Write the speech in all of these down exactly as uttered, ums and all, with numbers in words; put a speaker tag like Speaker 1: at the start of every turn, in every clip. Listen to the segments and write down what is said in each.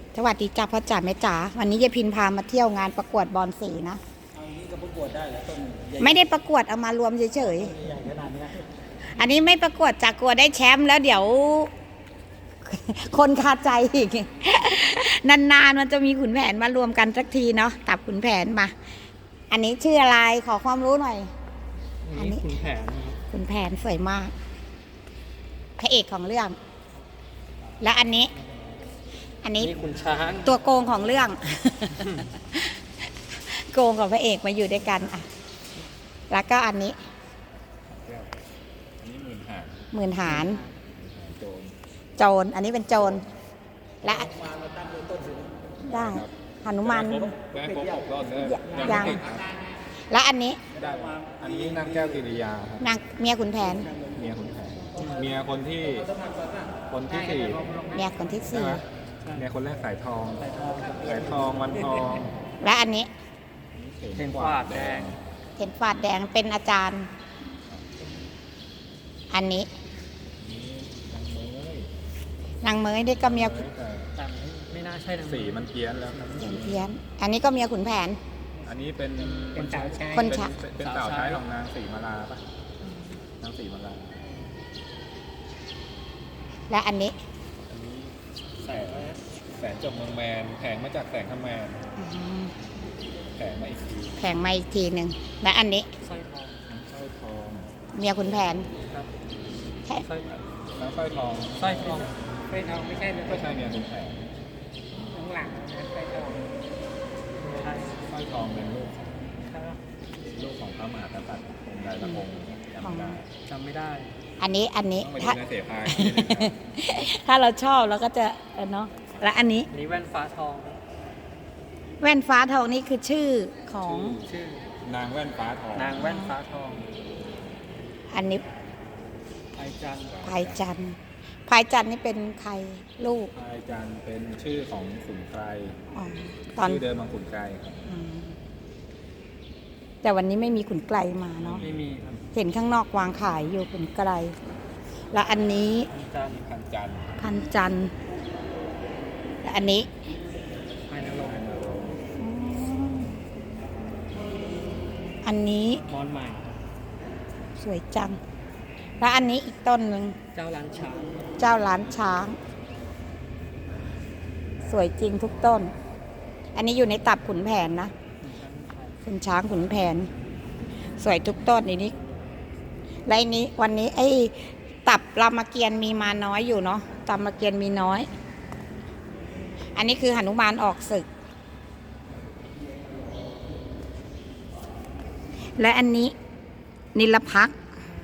Speaker 1: สวัสดีจ้าพ่อจ๋าแม่จ๋าวันนี้ยายพินพามาเที่ยวงานประกวดบอลสีนะ
Speaker 2: เอานี้ก็ประกวดได้เหรอต้นใหญ่
Speaker 1: ไม่ได้ประกวดเอามารวมเฉย
Speaker 2: ใหญ่ขนาดนี้
Speaker 1: ๆอันนี้ไม่ประกวดจากกลัวได้แชมป์แล้วเดี๋ยว คนคาใจอีก นานๆมันจะมีขุนแผนมารวมกันสักทีเนาะตับขุนแผนมา อันนี้ชื่ออะไรขอความรู้หน่อย
Speaker 2: อันนี้ขุนแผน
Speaker 1: ขุนแผนสวยมากพระเอกของเรื่อง และอันนี้ อันนี้
Speaker 2: ขุนช้าง
Speaker 1: ตัวโกงของเรื่อง โกงกับพระเอกมาอยู่ด้วยกันอ่ะแล้วก็อันนี้
Speaker 2: อันนี้หมื่นหาร
Speaker 1: หมื่นหาร
Speaker 2: โจร
Speaker 1: โจรอันนี้เป็นโจรและได้หนุมาน
Speaker 2: แม่ครบหกรอบเลย
Speaker 1: ยังและอันนี้
Speaker 2: ได้อันนี้นางแก้วกิริยาครับ
Speaker 1: นางเมียขุนแผน
Speaker 2: เมียขุนแผนเมียคนที่คนที่สี่
Speaker 1: เมียคนที่สี่
Speaker 2: เมียคนแรกสายทองสายทองวันทอง
Speaker 1: และอันนี้
Speaker 2: เทนฟาดแดง
Speaker 1: เทนฟาดแดงเป็นอาจารย์อันนี้นางเมยได้ก็เมีย
Speaker 2: ไม่น่าใช่สีมันเพี้ยนแล้วครับ
Speaker 1: เพี้ยนอันนี้ก็เมียขุนแผน
Speaker 2: อันนี้เป็นคนชาย
Speaker 1: คนชาย
Speaker 2: เป็นสาวใช้ของนางสีมาลาป่ะนางสีมาลา
Speaker 1: และอันนี้
Speaker 2: แสงแสงจบเมืองแมนแผงมาจากแสงขมแมนแผงมาอีกที
Speaker 1: แผงมาอีกทีหนึ่งและอันนี้
Speaker 2: สร้อยทองสร้อยทอง
Speaker 1: เมียขุนแผน
Speaker 2: ครับใช่สร้อยน้ำสร้อยทองสร้อยทองสร้อยทองไม่ใช่ไม่ใช่เมียขุนแผนข้างหลังสร้อยทองใช่สร้อยทองเป็นลูกลูกของพระมหากษัตริย์องค์ใดละองค์จำไม่ได้จำไม่ได้
Speaker 1: อันนี้อันนี้ถ้าถ้าเราชอบเราก็จะเนาะและอันนี้
Speaker 2: นี่แว่นฟ้าทอง
Speaker 1: แว่นฟ้าทองนี่คือชื่อของ
Speaker 2: ชื่อนางแว่นฟ้าทองนางแว่นฟ้าทอง
Speaker 1: อันนี้
Speaker 2: พายจันทร์
Speaker 1: พายจันทร์พายจันทร์นี่เป็นใครลูก
Speaker 2: พายจันทร์เป็นชื่อของขุนไกรชื่อเดิมของขุนไกร
Speaker 1: แต่วันนี้ไม่มีขุนไกรมาเนาะ
Speaker 2: ไม่มี
Speaker 1: เห็นข้างนอกวางขายอยู่ขุนไกรแล้วอันนี้
Speaker 2: พันจันทร์
Speaker 1: พันจันทร์และอันนี้
Speaker 2: พายนรงค์
Speaker 1: อันนี้
Speaker 2: มอนใหม่
Speaker 1: สวยจังแล้วอันนี้อีกต้นหนึ่ง
Speaker 2: เจ้าล้านช้าง
Speaker 1: เจ้าล้านช้างสวยจริงทุกต้นอันนี้อยู่ในตับขุนแผนนะขุนช้างขุนแผนสวยทุกต้นในนี้และนี้วันนี้ไอ้ตับรามเกียรติ์มีมาน้อยอยู่เนาะตับรามเกียรติ์มีน้อยอันนี้คือหนุมานออกศึกและอันนี้นิลภักดิ์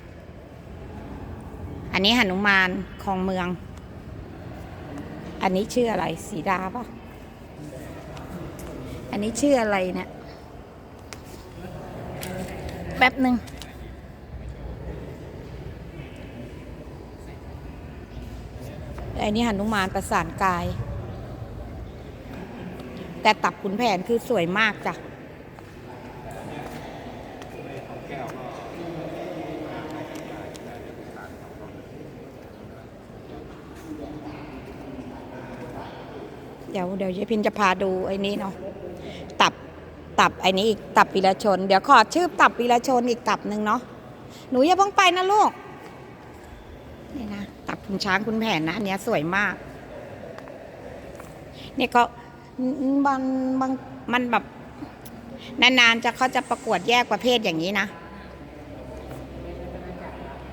Speaker 1: อันนี้หนุมานของเมืองอันนี้ชื่ออะไรสีดาป่ะอันนี้ชื่ออะไรเนี่ยแป๊บหนึ่งไอ้นี่หนุมานประสานกายแต่ตับขุนแผนคือสวยมากจ้ะเดี๋ยวเดี๋ยวยายพินจะพาดูไอ้นี้เนาะตับตับไอ้นี้อีกตับวีรชนเดี๋ยวขอชื่อตับวีรชนอีกตับหนึ่งเนาะหนูอย่าเพิ่งไปนะลูกนี่นะตับขุนช้างขุนแผนนะอันนี้สวยมากเนี่ยก็บางบางมันแบบนานๆจะเขาจะประกวดแยกประเภทอย่างนี้นะ